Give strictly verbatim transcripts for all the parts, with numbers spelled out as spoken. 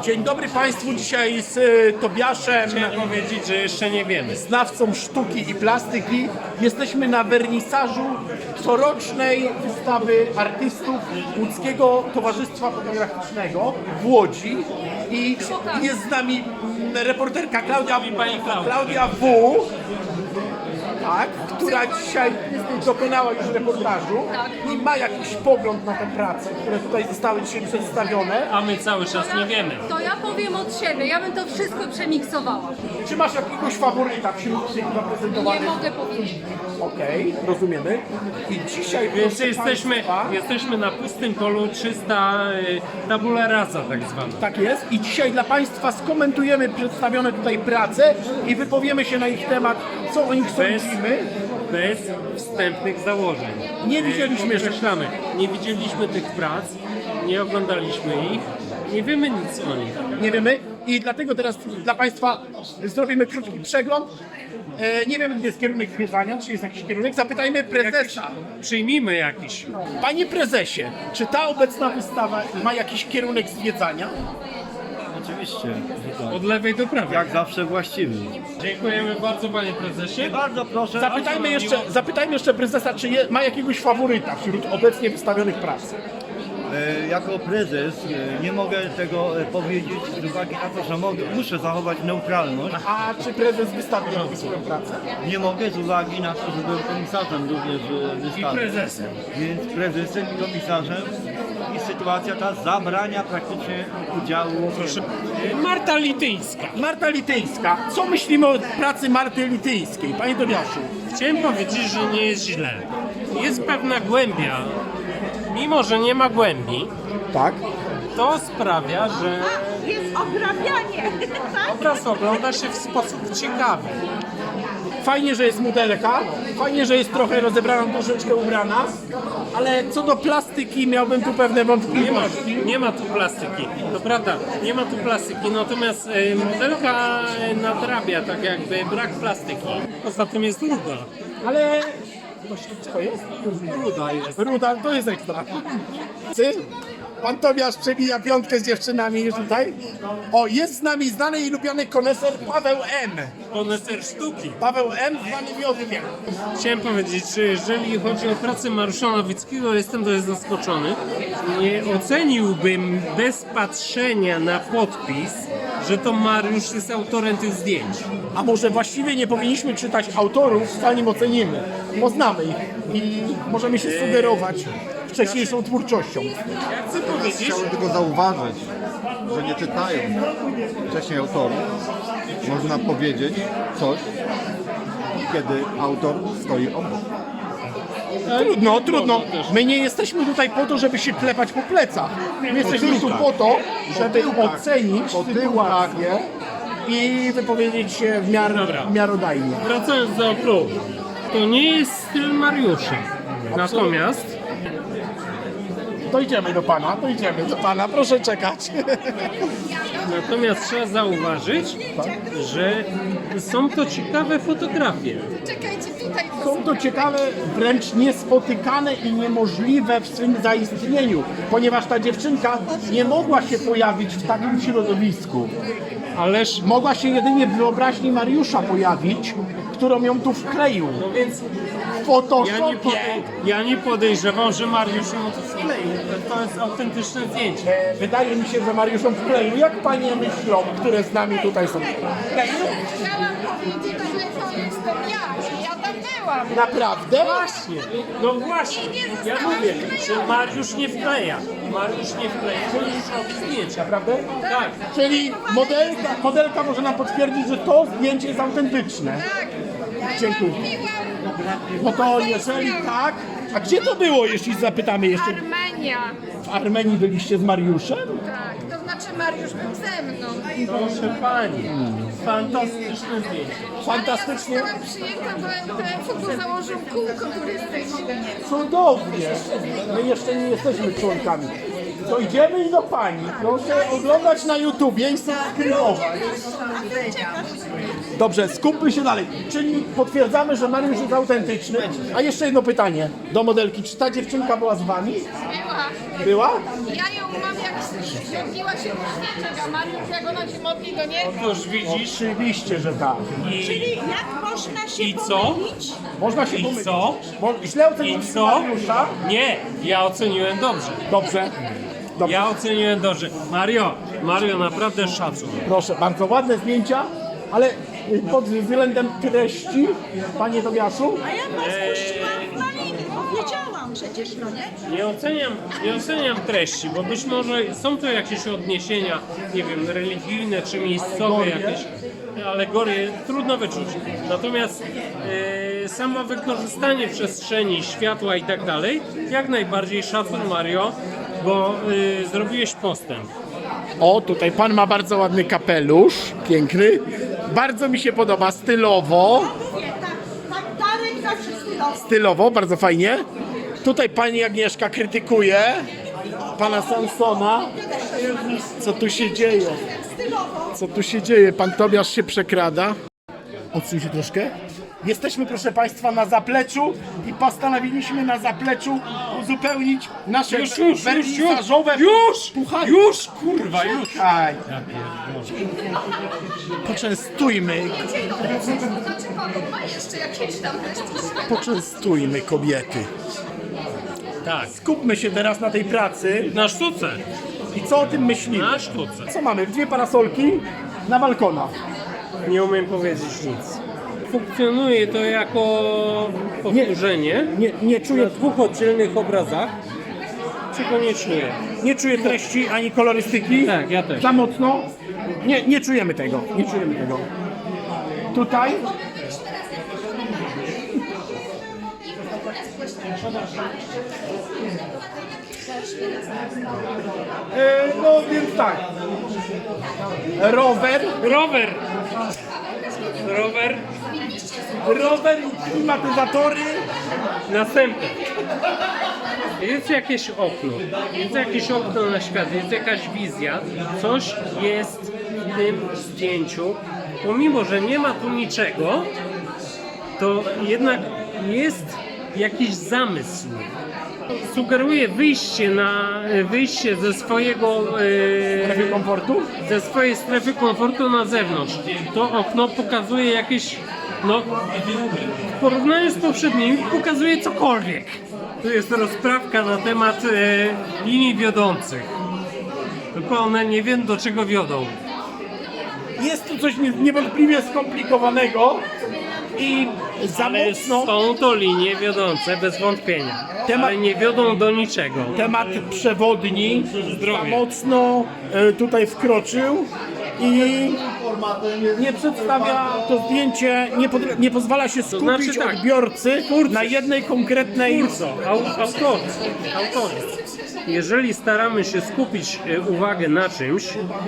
Dzień dobry Państwu, dzisiaj z y, Tobiaszem, Chciałem powiedzieć, że jeszcze nie wiemy. znawcą sztuki i plastyki. Jesteśmy na wernisażu corocznej wystawy artystów Łódzkiego Towarzystwa Fotograficznego w Łodzi. I jest z nami mm, reporterka Klaudia, Pani Klaudia. Klaudia W. Tak, która dzisiaj dokonała już reportażu i ma jakiś pogląd na te prace, które tutaj zostały dzisiaj przedstawione. A my cały czas nie wiemy. To ja powiem od siebie, ja bym to wszystko przemiksowała. Czy masz jakiegoś faworyta wśród tych Nie zaprezentowanych? mogę powiedzieć. Okej, rozumiemy. I dzisiaj, Więc proszę jesteśmy, Państwa, jesteśmy na pustym polu, czysta y, tabula rasa tak zwana. tak jest. I dzisiaj dla Państwa skomentujemy przedstawione tutaj prace i wypowiemy się na ich temat, co o nich Bez, sądzimy. bez wstępnych założeń. Nie widzieliśmy Y, jeszcze. Podkreślamy, nie widzieliśmy tych prac, nie oglądaliśmy ich, nie wiemy nic o nich. Nie wiemy. I dlatego teraz dla Państwa zrobimy krótki przegląd. E, nie wiem, gdzie jest kierunek zwiedzania, czy jest jakiś kierunek. Zapytajmy prezesa. Przyjmijmy jakiś. Panie prezesie, czy ta obecna wystawa ma jakiś kierunek zwiedzania? Oczywiście, że tak. Od lewej do prawej. Jak zawsze właściwy. Dziękujemy bardzo, panie prezesie. Bardzo proszę. Zapytajmy jeszcze, zapytajmy jeszcze prezesa, czy je, ma jakiegoś faworyta wśród obecnie wystawionych prac. E, Jako prezes e, nie mogę tego e, powiedzieć z uwagi na to, że mogę, muszę zachować neutralność. A czy prezes wystawił jakąś swoją pracę? Nie mogę z uwagi na to, że byłem komisarzem również e, I wystawy. prezesem. Więc prezesem i komisarzem i sytuacja ta zabrania praktycznie udziału. Proszę. Y, Marta Lityńska. Marta Lityńska. Co myślimy o pracy Marty Lityńskiej? Panie Tobiaszu. Chciałem powiedzieć, że nie jest źle. Jest pewna głębia. Mimo, że nie ma głębi, Tak. to sprawia, że Jest obrabianie, tak? obraz ogląda się w sposób ciekawy. Fajnie, że jest modelka, fajnie, że jest trochę rozebrana, troszeczkę ubrana, ale co do plastyki miałbym tu pewne Nie ma, wątpliwości. nie ma tu plastyki, to prawda, nie ma tu plastyki, natomiast e, modelka e, nadrabia tak jakby brak plastyki. Poza tym jest ruda. Ale... Co jest? Ruda jest. Ruda, to jest ekstra. Ty? Pan Tobiasz przebija piątkę z dziewczynami już tutaj. O, jest z nami znany i lubiany koneser Paweł M. Koneser sztuki. Paweł M. zwany Miodkiem. Chciałem powiedzieć, że jeżeli chodzi o pracę Mariusza Nowickiego, jestem dość zaskoczony. Nie oceniłbym bez patrzenia na podpis, że to Mariusz jest autorem tych zdjęć. A może właściwie nie powinniśmy czytać autorów, zanim ocenimy. Poznamy ich i możemy się sugerować wcześniejszą twórczością. Ja chcę powiedzieć, Chciałbym tylko zauważyć, że nie czytając wcześniej autorów, można powiedzieć coś, kiedy autor stoi obok. Trudno, trudno. My nie jesteśmy tutaj po to, żeby się klepać po plecach. My jesteśmy tu po to, żeby ocenić sytuację i wypowiedzieć się w miarę Dobra. miarodajnie. wracając do klubu, to nie jest styl Mariusza. Natomiast Dojdziemy do pana, dojdziemy do pana, proszę czekać. Natomiast trzeba zauważyć, że są to ciekawe fotografie. Czekajcie, tutaj Są to ciekawe, wręcz niespotykane i niemożliwe w swym zaistnieniu, ponieważ ta dziewczynka nie mogła się pojawić w takim środowisku. Ależ, Mogła się jedynie w wyobraźni Mariusza pojawić, którą ją tu wkleił. no więc W ja nie, Photoshopie. podej- ja nie podejrzewam, że Mariusz ją tu skleił. To jest autentyczne zdjęcie. E, Wydaje mi się, że Mariusz ją wkleił. Jak panie myślą, które z nami tutaj są? Wkleił? chciałam powiedzieć, że to jestem ja, ja tam byłam. Naprawdę? Właśnie, no właśnie. Ja mówię, że Mariusz nie wkleja. Mariusz nie wkleja, Mariusz robi zdjęcia. Naprawdę? Tak. Czyli modelka, modelka może nam potwierdzić, że to zdjęcie jest autentyczne. Tak, Dziękuję. piłam No to jeżeli tak, a gdzie to było, jeśli zapytamy jeszcze? Armenia. W Armenii byliście z Mariuszem? Tak, to znaczy Mariusz był ze mną. Proszę pani, fantastyczne zdjęcie. Fantastycznie. Ja zostałam przyjęta do M T F-u, bo założył kółko turystyczne. Cudownie. My jeszcze nie jesteśmy członkami. To idziemy do pani. Proszę oglądać na YouTubie i subskrybować. Dobrze, skupmy się dalej. Czyli potwierdzamy, że Mariusz jest autentyczny. A jeszcze jedno pytanie do modelki. Czy ta dziewczynka była z wami? Była. Była? Ja ją mam, jak ściągnęła się do świeczek, a Mariusz jak ona się modli, to nie? Otóż widzisz, Oczywiście, że tak. i, Jak można się i co? pomylić? Można się I pomylić. co? Bo źle I oceniłem co? Mariusza. Nie, ja oceniłem dobrze. Dobrze. Dobrze. Ja oceniłem dobrze. Mario, Mario, naprawdę szacun. Proszę, bardzo ładne zdjęcia, ale y, pod względem treści, panie Tobiaszu, A ja was puściłam w maliny. Powiedziałam przecież, no nie? Nie oceniam, nie oceniam treści, bo być może są to jakieś odniesienia, nie wiem, religijne czy miejscowe jakieś alegorie, trudno wyczuć. Natomiast e, samo wykorzystanie przestrzeni, światła i tak dalej, jak najbardziej szacun Mario, bo e, zrobiłeś postęp. o, tutaj pan ma bardzo ładny kapelusz, piękny, bardzo mi się podoba, stylowo, Mówię, tak, tak Darek zawsze stylował. stylowo, bardzo fajnie. Tutaj pani Agnieszka krytykuje pana Sansona. Co tu się dzieje? Stylowo. Co tu się dzieje? Pan Tobiasz się przekrada. Odsuń się troszkę. Jesteśmy, proszę państwa, na zapleczu i postanowiliśmy na zapleczu uzupełnić nasze Już, już, już, wernisażowe już, puchary. już, kurwa, już. Czekaj. Poczęstujmy, Znaczy kogo? Ma jeszcze jakieś tam resztki? poczęstujmy kobiety. Tak, Skupmy się teraz na tej pracy na sztuce, i co o tym myślimy. na sztuce. Co mamy? Dwie parasolki na balkonach. Nie umiem powiedzieć nic. Funkcjonuje to jako powtórzenie Nie, nie, na czuję, dwóch oddzielnych obrazach, czego nie czuję. nie czuję treści ani kolorystyki. Tak, ja też. Za mocno. Nie, nie czujemy tego. Nie czujemy tego. Tutaj. E, no więc tak. Rower. Rower! Rower, Rower i klimatyzatory. następny. Jest jakieś okno, jest jakieś okno na świat, jest jakaś wizja, coś jest w tym zdjęciu. Pomimo, że nie ma tu niczego, to jednak jest jakiś zamysł. Sugeruje wyjście na wyjście ze swojego Strefy e, komfortu. ze swojej strefy komfortu na zewnątrz. To okno pokazuje jakieś, no w porównaniu z poprzednimi pokazuje cokolwiek. Tu jest rozprawka na temat e, linii wiodących. Tylko one nie wiem do czego wiodą. Jest tu coś nie- niewątpliwie skomplikowanego i za Ale mocno są to linie wiodące bez wątpienia. Temat- Ale nie wiodą do niczego. temat przewodni za Zdrowie. mocno e, tutaj wkroczył i nie przedstawia to zdjęcie, nie, pod, nie pozwala się skupić znaczy tak, odbiorcy na jednej konkretnej. Twórco, au, autorzy, autorzy. Jeżeli staramy się skupić e, uwagę na czymś,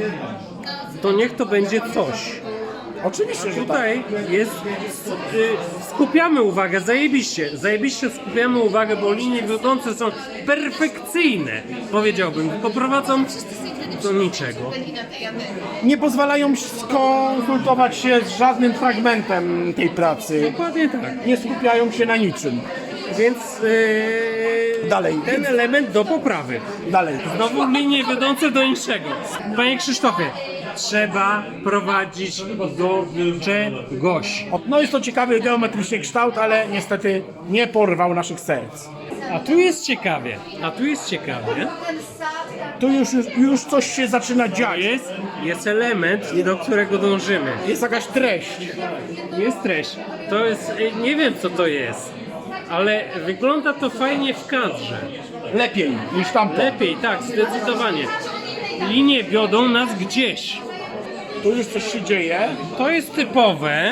to niech to będzie coś. Oczywiście, że tak. Tutaj jest, y, skupiamy uwagę, zajebiście, zajebiście skupiamy uwagę, bo linie wiodące są perfekcyjne, powiedziałbym, tylko prowadzą do niczego. Nie pozwalają skonsultować się z żadnym fragmentem tej pracy. Dokładnie tak. Nie skupiają się na niczym. Więc yy, Dalej. ten element do poprawy. Dalej. Znowu linie wiodące do niczego. Panie Krzysztofie, trzeba prowadzić do czegoś. No jest to ciekawy geometryczny kształt, ale niestety nie porwał naszych serc. A tu jest ciekawie, a tu jest ciekawie. Tu już, już, już coś się zaczyna dziać. Jest, jest element, do którego dążymy. Jest jakaś treść. Jest treść. To jest, y, nie wiem co to jest, ale wygląda to fajnie w kadrze. Lepiej niż tamto. Lepiej, tak, zdecydowanie. Linie wiodą nas gdzieś. Tu już coś się dzieje. To jest typowe.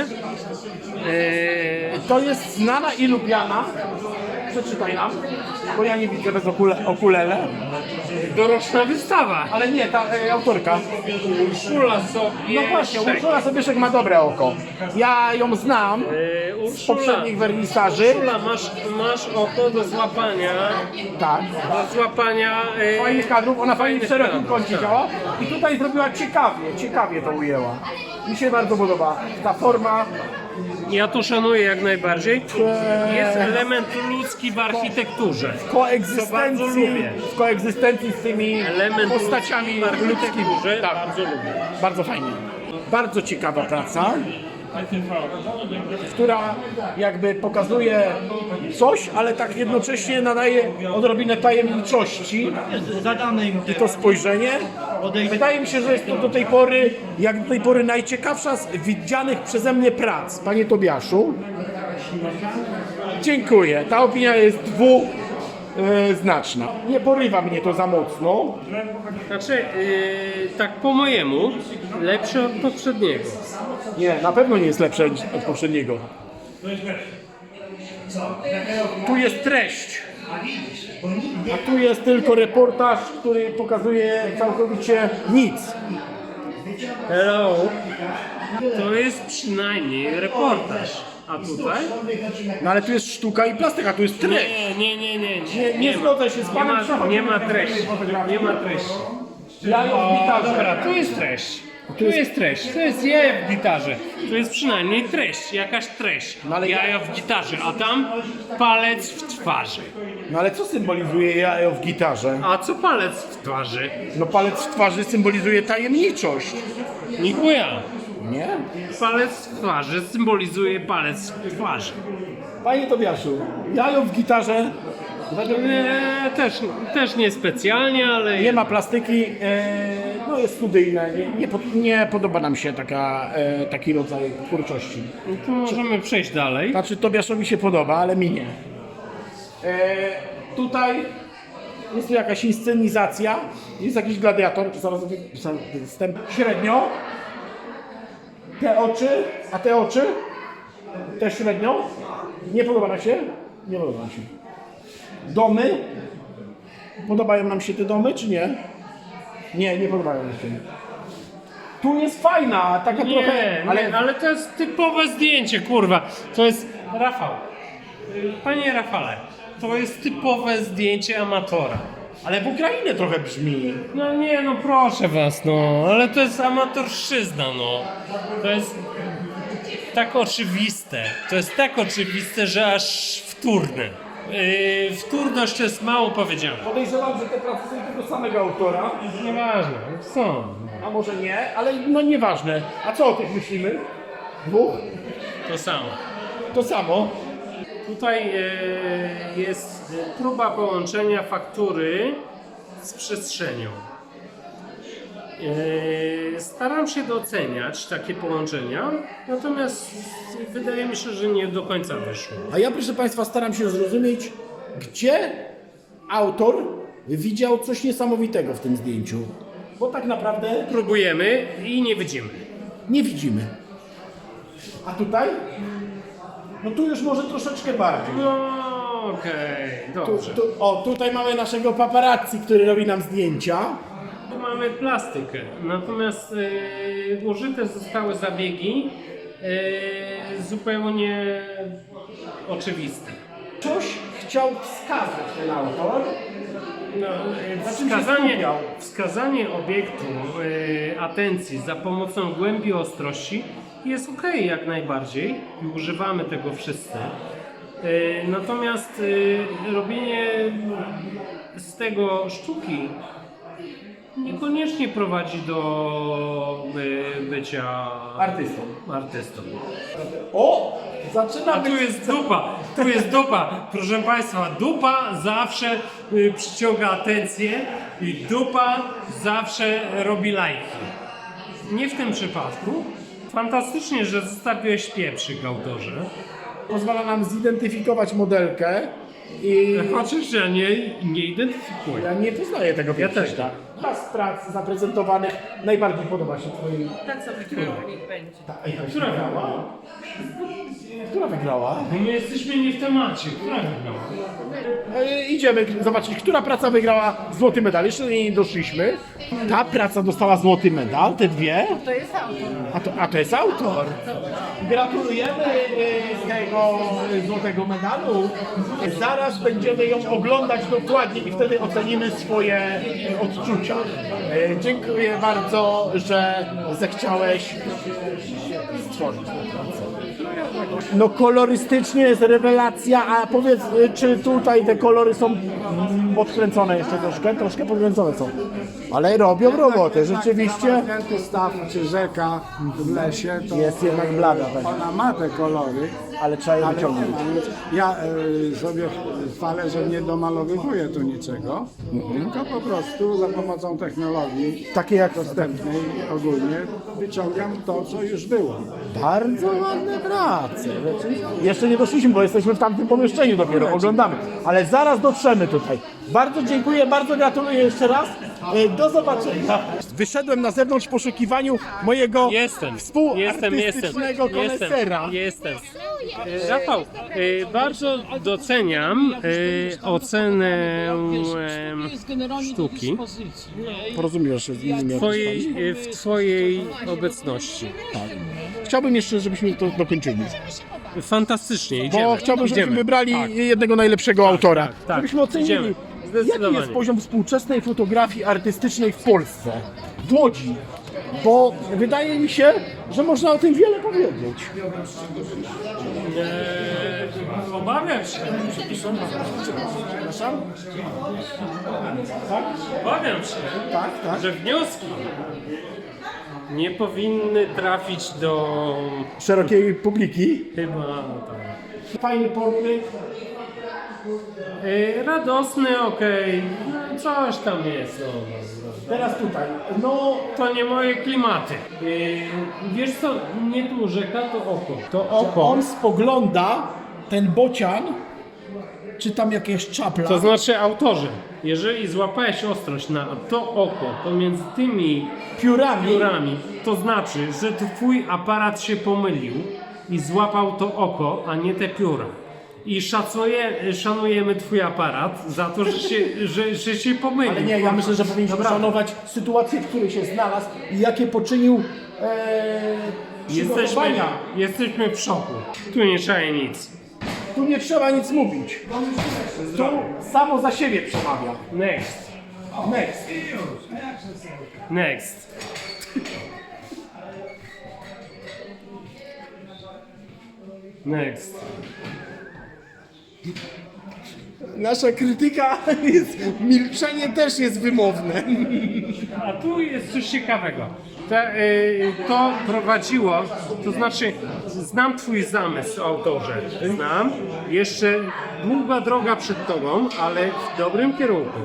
Yy, To jest znana i lubiana. Przeczytaj nam, bo ja nie widzę bez okule, okulele. doroczna wystawa. Ale nie, ta e, autorka. Urszula sobie. No właśnie, Urszula Sobieszek ma dobre oko. Ja ją znam Yy, z Urszula, poprzednich wernisaży. Urszula, masz, masz oko do złapania. Tak. Do złapania. Yy, Fajnych kadrów, ona fajnie w fajnych szerokim kadrów, kącie tak. działa. I tutaj zrobiła ciekawie, ciekawie to ujęła. Mi się bardzo podoba ta forma. Ja to szanuję jak najbardziej. Jest element ludzki w architekturze. W Co bardzo koegzystencji, lubię. w koegzystencji z tymi Element postaciami ludzki w architekturze ludzkimi. Tak, bardzo lubię. bardzo fajnie. Bardzo ciekawa praca, która jakby pokazuje coś, ale tak jednocześnie nadaje odrobinę tajemniczości. Zadamy im I to spojrzenie, wydaje mi się, że jest to do tej pory, jak do tej pory najciekawsza z widzianych przeze mnie prac. Panie Tobiaszu, dziękuję. Ta opinia jest dwuznaczna. Nie porywa mnie to za mocno. Znaczy, yy, tak po mojemu, lepsze od poprzedniego. Nie, na pewno nie jest lepsze od poprzedniego. Tu jest treść, a tu jest tylko reportaż, który pokazuje całkowicie nic. Hello. To jest przynajmniej reportaż. A tutaj? No ale tu jest sztuka i plastyka, tu jest treść. Nie, nie, nie, nie. Nie, nie ma. zgodzę się z Nie panem ma, Przechodem. nie ma treści. Nie ma treści. Jajo w gitarze. Dobra, tu jest treść. Tu jest treść. To jest jajo w gitarze. Tu jest przynajmniej treść, jakaś treść. No ale Jajo w gitarze, a tam palec w twarzy. No ale co symbolizuje jajo w gitarze? A co palec w twarzy? No palec w twarzy symbolizuje tajemniczość. Nikuja. Nie? Palec w twarzy symbolizuje palec w twarzy. Panie Tobiaszu, jajo w gitarze według mnie Eee, też, też nie specjalnie, ale nie ma plastyki, e, no jest studyjne, nie, nie, pod- nie podoba nam się taka, e, taki rodzaj twórczości. to możemy przejść dalej. Znaczy Tobiaszowi się podoba, ale mi nie. E, tutaj jest tu jakaś inscenizacja, jest jakiś gladiator, zaraz wypisałem wstęp. Średnio. Te oczy, a te oczy też średnio. Nie podoba nam się? Nie podoba nam się. Domy. Podobają nam się te domy, czy nie? Nie, nie podobają nam się. Tu jest fajna, taka Nie, trochę, ale, ale ale to jest typowe zdjęcie, kurwa. To jest Rafał. Panie Rafale, to jest typowe zdjęcie amatora. ale w Ukrainie trochę brzmi. No nie, no proszę was, no, ale to jest amatorszczyzna, no. To jest tak oczywiste. To jest tak oczywiste, że aż wtórne. Yy, wtórność to jest mało powiedziane. Podejrzewam, że te prace są tego samego autora, Nieważne, są. a może nie, ale no nieważne. A co o tych myślimy? Dwóch? To samo. To samo. Tutaj e, jest próba połączenia faktury z przestrzenią. E, staram się doceniać takie połączenia, natomiast wydaje mi się, że nie do końca wyszło. A ja, proszę Państwa, staram się zrozumieć, gdzie autor widział coś niesamowitego w tym zdjęciu. Bo tak naprawdę Próbujemy i nie widzimy. nie widzimy. A tutaj? No tu już może troszeczkę bardziej. No okej, Tu, dobrze. tu, o, tutaj mamy naszego paparazzi, który robi nam zdjęcia. Tu mamy plastykę, natomiast e, użyte zostały zabiegi e, zupełnie oczywiste. Coś chciał wskazać ten autor. No, e, Na czym się wskazanie, skupiał? wskazanie obiektu e, atencji za pomocą głębi ostrości jest ok jak najbardziej i używamy tego wszyscy. E, natomiast e, robienie z tego sztuki niekoniecznie prowadzi do y, bycia Artystą. artystą. O! Zaczyna A tu być... jest dupa, tu jest dupa. Proszę Państwa, dupa zawsze y, przyciąga atencję i dupa zawsze robi lajki. Nie w tym przypadku. Fantastycznie, że zostawiłeś pieprzyk, autorze. Pozwala nam zidentyfikować modelkę i Chociaż ja nie, nie identyfikuję. ja nie poznaję tego Ja też pieprzyka. Która z prac zaprezentowanych najbardziej podoba się Twoim... Tak sobie kierownik będzie. Ej, a która wygrała? Która wygrała? Bo my jesteśmy nie w temacie. Która wygrała? E, idziemy zobaczyć, która praca wygrała złoty medal. Jeszcze do niej nie doszliśmy. Ta praca dostała złoty medal, te dwie. To jest autor. A to, a to jest autor. Gratulujemy e, tego e, złotego medalu. Zaraz będziemy ją oglądać dokładnie i wtedy ocenimy swoje e, odczucia. zdjęcia. E, dziękuję bardzo, że zechciałeś stworzyć tę pracę. No kolorystycznie jest rewelacja, a powiedz, y, czy tutaj te kolory są mm, podkręcone jeszcze troszkę? Troszkę podkręcone są. Ale robią robotę, rzeczywiście Zamknięty staw czy rzeka w lesie, to jest jednak blada. Tak. ona ma te kolory, Ale trzeba je ale wyciągnąć. ja y, sobie chwalę, że nie domalowywuję tu niczego, tylko po prostu za pomocą technologii Takie jak dostępnej ogólnie wyciągam to, co już było. bardzo ładne prace. Jeszcze nie doszliśmy, bo jesteśmy w tamtym pomieszczeniu dopiero, oglądamy. Ale zaraz dotrzemy tutaj. Bardzo dziękuję, bardzo gratuluję jeszcze raz. E, Do zobaczenia. Wyszedłem na zewnątrz w poszukiwaniu mojego Jestem, jestem, współartystycznego jestem, konesera. jestem, jestem. E, Rafał, e, bardzo doceniam e, ocenę e, sztuki Porozumiesz się z innymi w twojej, e, w twojej obecności. Chciałbym jeszcze, żebyśmy to dokończyli. Fantastycznie, Bo idziemy. chciałbym, żebyśmy idziemy. wybrali Tak. jednego najlepszego autora. tak. Żebyśmy ocenili, Idziemy. jaki Zdecydowanie. jest poziom współczesnej fotografii artystycznej w Polsce, w Łodzi. Bo wydaje mi się, że można o tym wiele powiedzieć. Eee, obawiam się. Przepraszam? Obawiam się, Tak, tak. że wnioski nie powinny trafić do Szerokiej publiki. chyba tak. Fajny portret. Eee, radosny, okej, no, coś tam jest. No, no, no. Teraz tutaj. No, To nie moje klimaty. Eee, wiesz co, nie tu rzeka, to oko. To że oko. on spogląda, ten bocian, czy tam jakieś czapla. To znaczy autorze, jeżeli złapałeś ostrość na to oko pomiędzy tymi piórami. piórami, to znaczy, że twój aparat się pomylił i złapał to oko, a nie te pióra. I szacuje, szanujemy twój aparat za to, że się, że, że się pomylił. Ale nie, ja myślę, że powinniśmy Dobra. szanować sytuację, w której się znalazł i jakie poczynił e, Jesteśmy, przygotowania. jesteśmy w szoku. Tu nie trzeba nic. Tu nie trzeba nic mówić. Tu samo za siebie przemawia. Next. Next. Next. Next. Nasza krytyka jest, milczenie też jest wymowne. A tu jest coś ciekawego. Ta, y, to prowadziło, to znaczy znam twój zamysł, autorze, znam. Jeszcze długa droga przed tobą, ale w dobrym kierunku.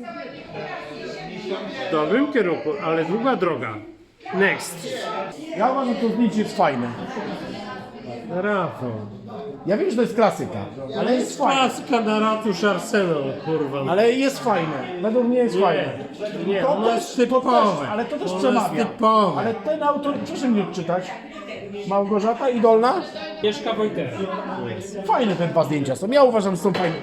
W dobrym kierunku, ale długa droga. Next. Ja uważam, że to zdjęcie jest fajne. Rafał. Ja wiem, że to jest klasyka, ale jest fajne. Klasyka na ratusz Arsenal, kurwa. Ale jest fajne. Według mnie jest fajne. Nie, To ono też, jest to typowe. też, ale to też Ono przemawia. jest typowe. Ale ten autor, proszę mi odczytać. Małgorzata Idolna? Mieszka Wojtek. Fajne te dwa zdjęcia są. Ja uważam, że są fajne.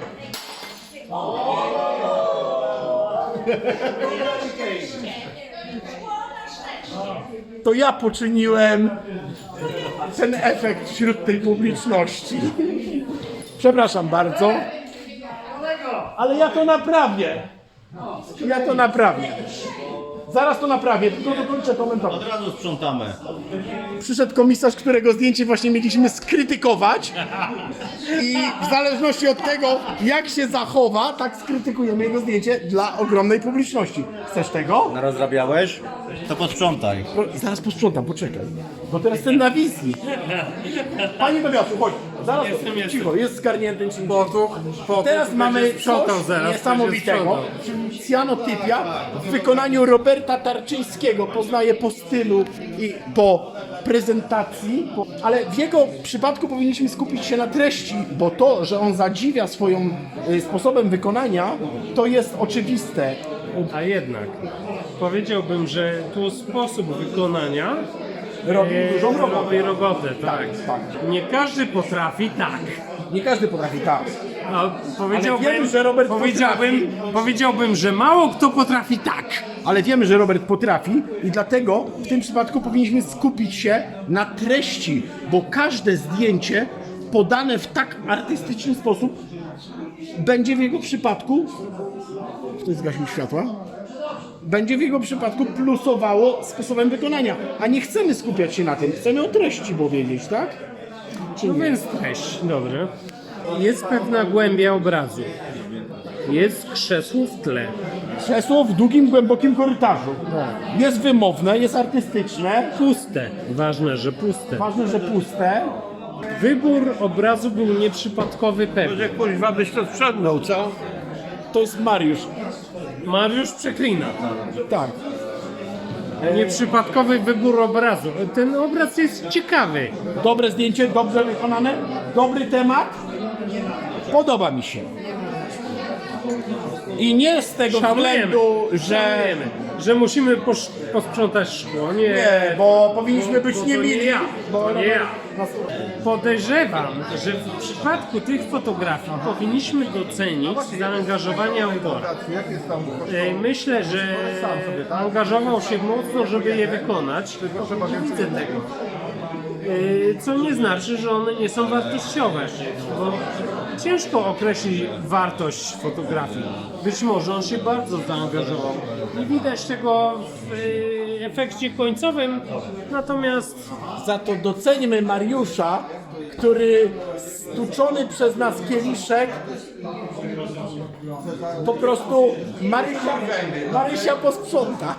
To ja poczyniłem ten efekt wśród tej publiczności. Przepraszam bardzo. Ale ja to naprawię. Ja to naprawię. Zaraz to naprawię, tylko dokończę komentować. Od razu sprzątamy. Przyszedł komisarz, którego zdjęcie właśnie mieliśmy skrytykować i w zależności od tego, jak się zachowa, tak skrytykujemy jego zdjęcie dla ogromnej publiczności. Chcesz tego? Narozrabiałeś? To posprzątaj. Po, zaraz posprzątam, poczekaj. Bo teraz ten na wizji. Panie Bebiaszu, chodź. Zaraz, Jestem, cicho, jestem. jest zgarnięty czymś. Potuch, potuch, Teraz będzie mamy sprzątał coś zaraz, niesamowitego, będzie czyli cyanotypia w wykonaniu Roberta Tarczyńskiego. Poznaję po stylu i po prezentacji, po- ale w jego przypadku powinniśmy skupić się na treści, bo to, że on zadziwia swoim y, sposobem wykonania, to jest oczywiste. A jednak powiedziałbym, że tu sposób wykonania Robi e, dużą robotę. robi robotę, tak. tak. Nie każdy potrafi tak. Nie każdy potrafi tak. A powiedziałbym, wiemy, że Robert powiedziałbym, powiedziałbym, że mało kto potrafi tak. Ale wiemy, że Robert potrafi i dlatego w tym przypadku powinniśmy skupić się na treści, bo każde zdjęcie podane w tak artystyczny sposób będzie w jego przypadku... Ktoś zgasił światła? będzie w jego przypadku plusowało sposobem wykonania. A nie chcemy skupiać się na tym, chcemy o treści powiedzieć, tak? Czy No nie? więc treść, dobrze. Jest pewna głębia obrazu. Jest krzesło w tle. Krzesło w długim, głębokim korytarzu. Jest wymowne, jest artystyczne. Puste. Ważne, że puste. Ważne, że puste. Wybór obrazu był nieprzypadkowy pewnie. Może kuźwa byś to sprzątnął, co? To jest Mariusz. Mariusz przeklina. Tak. Nieprzypadkowy wybór obrazu. Ten obraz jest ciekawy. Dobre zdjęcie, dobrze wykonane, dobry temat. Podoba mi się. I nie z tego Szanujemy, względu, że... szanujemy, że musimy posz- posprzątać szkło. Nie, Nie, bo powinniśmy być bo to niemili. nie ja, Bo to nie ja. Podejrzewam, że w przypadku tych fotografii powinniśmy docenić zaangażowanie autora. Jak jest tam E, Myślę, że angażował się mocno, żeby je wykonać. Nie widzę tego. E, Co nie znaczy, że one nie są wartościowe, bo ciężko określić wartość fotografii. Być może on się bardzo zaangażował. Nie widać tego w e, efekcie końcowym, natomiast Za to doceńmy Mariusza, który stuczony przez nas kieliszek po prostu Marysia, Marysia posprząta.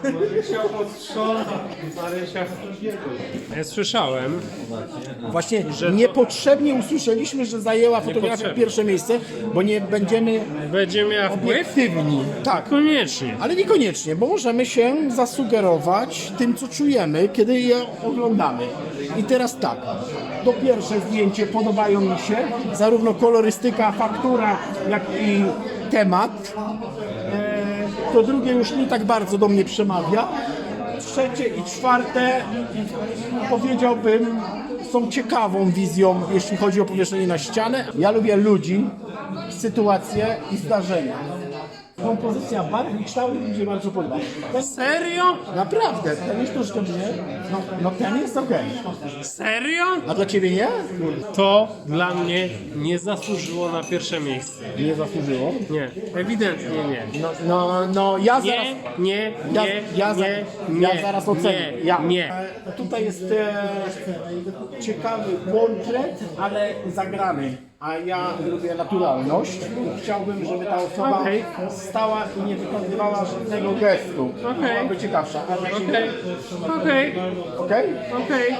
ja słyszałem, Właśnie niepotrzebnie usłyszeliśmy, że zajęła fotografia Niepotrzebnie. pierwsze miejsce, bo nie będziemy będzie miała wpływ? obiektywni. Tak. Koniecznie. Ale niekoniecznie, bo możemy się zasugerować tym, co czujemy, kiedy je oglądamy. I teraz tak, to pierwsze zdjęcie podobają mi się, zarówno kolorystyka, faktura, jak i temat. E, to drugie już nie tak bardzo do mnie przemawia. Trzecie i czwarte, powiedziałbym, są ciekawą wizją, jeśli chodzi o powieszenie na ścianę. Ja lubię ludzi, sytuacje i zdarzenia. Kompozycja barw i kształtów mi się bardzo podoba. Ten, Serio? naprawdę, ten jest troszkę mnie. No, no ten jest okej. Serio? A dla ciebie nie? To dla mnie nie zasłużyło na pierwsze miejsce. Nie zasłużyło. Nie, ewidentnie nie. No, no, no ja zaraz. Nie, nie, Ja, nie, ja, za, nie, ja nie, zaraz ocenię. Nie, ja. nie. E, Tutaj jest e, ciekawy portret, ale zagrany. A ja lubię naturalność. Chciałbym, żeby ta osoba Okej. stała i nie wykonywała żadnego gestu. Okej. Byłaby ciekawsza. Ale jak się Okej, okej, Okej? okej.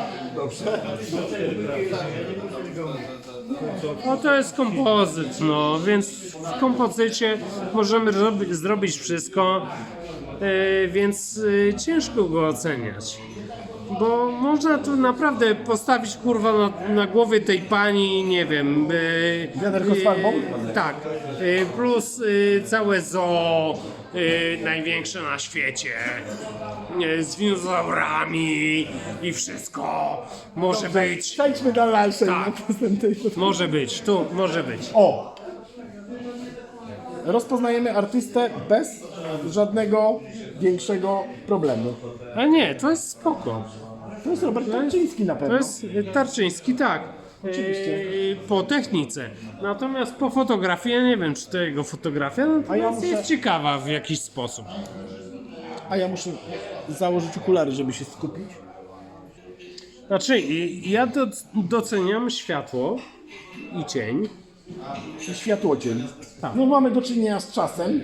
No to jest kompozyt, no, więc w kompozycie możemy robi, zrobić wszystko, e, więc e, ciężko go oceniać. Bo można tu naprawdę postawić kurwa na, na głowie tej pani, nie wiem. E, Wiaderko z farbą? e, tak. E, plus e, całe zoo, e, największe na świecie. E, z dinozaurami i wszystko. Może być. Przejdźmy do dalszej Tak. następnej. Może być, tu może być. O! Rozpoznajemy artystę bez żadnego większego problemu. A nie, to jest spoko. To jest Robert Tarczyński na To pewno. jest e, Tarczyński, tak. Oczywiście. E, po technice. Natomiast po fotografii, ja nie wiem, czy to jego fotografia, natomiast A ja muszę- jest ciekawa w jakiś sposób. A ja muszę założyć okulary, żeby się skupić. Znaczy, i- ja do, doceniam światło i cień. I światłocień. No mamy do czynienia z czasem.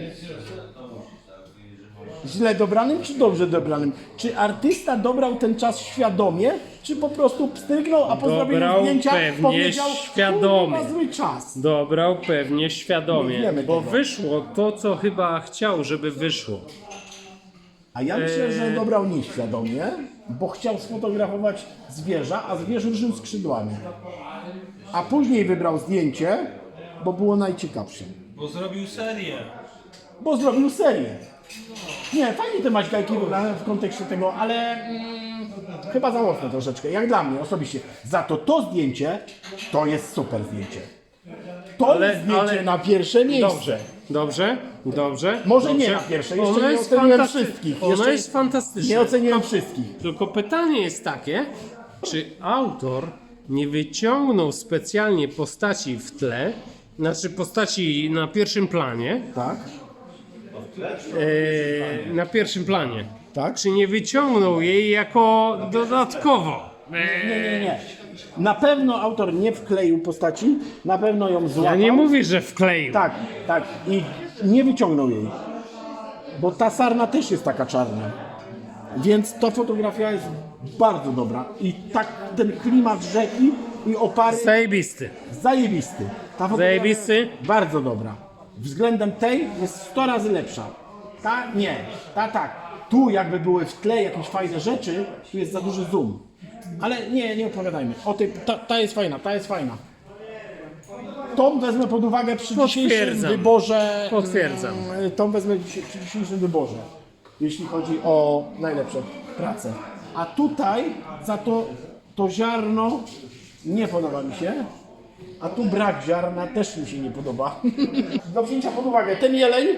Źle dobranym czy dobrze dobranym? Czy artysta dobrał ten czas świadomie, czy po prostu pstrygnął, a po zrobieniu Dobrał zdjęcia pewnie powiedział, świadomie. "Kurwa, zły czas. Dobrał pewnie świadomie, Nie wiemy bo tego. wyszło to, co chyba chciał, żeby wyszło. A ja myślę, Eee. że dobrał nieświadomie, bo chciał sfotografować zwierza, a zwierz ruszył skrzydłami. A później wybrał zdjęcie, bo było najciekawsze. Bo zrobił serię. Bo zrobił serię. Nie, fajnie te maśgajki wybrane w kontekście tego, ale mm, chyba za mocno troszeczkę, jak dla mnie osobiście. Za to to zdjęcie, to jest super zdjęcie. To Ale- jest zdjęcie ale- na pierwsze miejsce. Dobrze, dobrze, dobrze. Może dobrze. nie na pierwsze, jeszcze Ono nie jest oceniłem fantasty- wszystkich. Ono Jeszcze jest fantastyczne. Nie oceniłem wszystkich. Tylko pytanie jest takie, czy autor nie wyciągnął specjalnie postaci w tle, znaczy postaci na pierwszym planie, Tak? e, na pierwszym planie. Tak? Czy nie wyciągnął jej jako dodatkowo? E, Nie, nie, nie. Na pewno autor nie wkleił postaci, na pewno ją złapał. Ja nie mówię, że wkleił. Tak, tak. I nie wyciągnął jej. Bo ta sarna też jest taka czarna. Więc ta fotografia jest bardzo dobra. I tak ten klimat rzeki i opary Zajebisty. zajebisty. Ta fotografia Zajebisty. jest bardzo dobra. Względem tej jest sto razy lepsza. Ta nie, ta tak. Tu jakby były w tle jakieś fajne rzeczy, tu jest za duży zoom. Ale nie, nie opowiadajmy. O tej, ta, ta jest fajna, ta jest fajna. Tą wezmę pod uwagę przy dzisiejszym Potwierdzam. wyborze. Potwierdzam. mm, Tą wezmę przy przy dzisiejszym wyborze. Jeśli chodzi o najlepsze prace. A tutaj za to to ziarno nie podoba mi się. A tu brak ziarna też mi się nie podoba. Do wzięcia pod uwagę ten jeleń,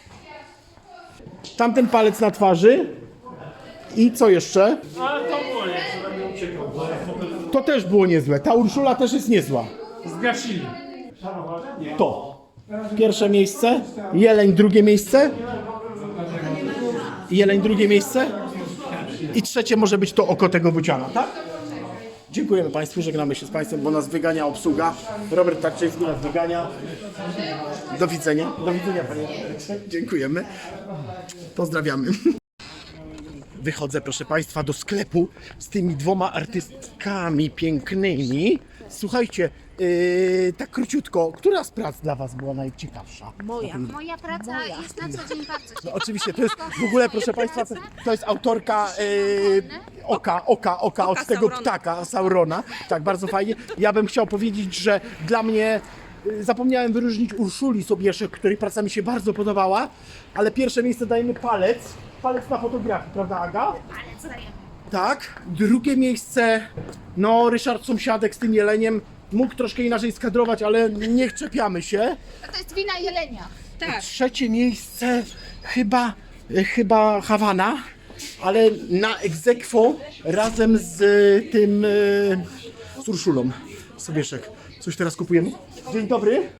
tamten palec na twarzy i co jeszcze? Ale to było nie. To też było niezłe. Ta Urszula też jest niezła. Zgasili. To. Pierwsze miejsce. Jeleń drugie miejsce. Jeleń drugie miejsce. I trzecie może być to oko tego buciana, tak? Dziękujemy Państwu, żegnamy się z Państwem, bo nas wygania obsługa. Robert Tarczyński nas wygania. Do widzenia. Do widzenia Panie Robercie. Dziękujemy. Pozdrawiamy. Wychodzę, proszę Państwa, do sklepu z tymi dwoma artystkami pięknymi. Słuchajcie, yy, tak króciutko, która z prac dla Was była najciekawsza? Moja. Moja praca jest na co dzień bardzo No, oczywiście, to jest w ogóle, proszę Państwa, to, to jest autorka yy, oka, oka, oka od tego ptaka, Saurona. Tak, bardzo fajnie. Ja bym chciał powiedzieć, że dla mnie yy, zapomniałem wyróżnić Urszuli Sobieszek, której praca mi się bardzo podobała, ale pierwsze miejsce dajemy palec. Palec na fotografii, prawda Aga? Palec dajemy. Tak. Drugie miejsce, no Ryszard Sąsiadek z tym jeleniem mógł troszkę inaczej skadrować, ale nie czepiamy się. No to jest wina jelenia. Trzecie miejsce chyba, chyba Hawana, ale na ex aequo razem z tym, e, z Urszulą Sobieszek. Coś teraz kupujemy? Dzień dobry.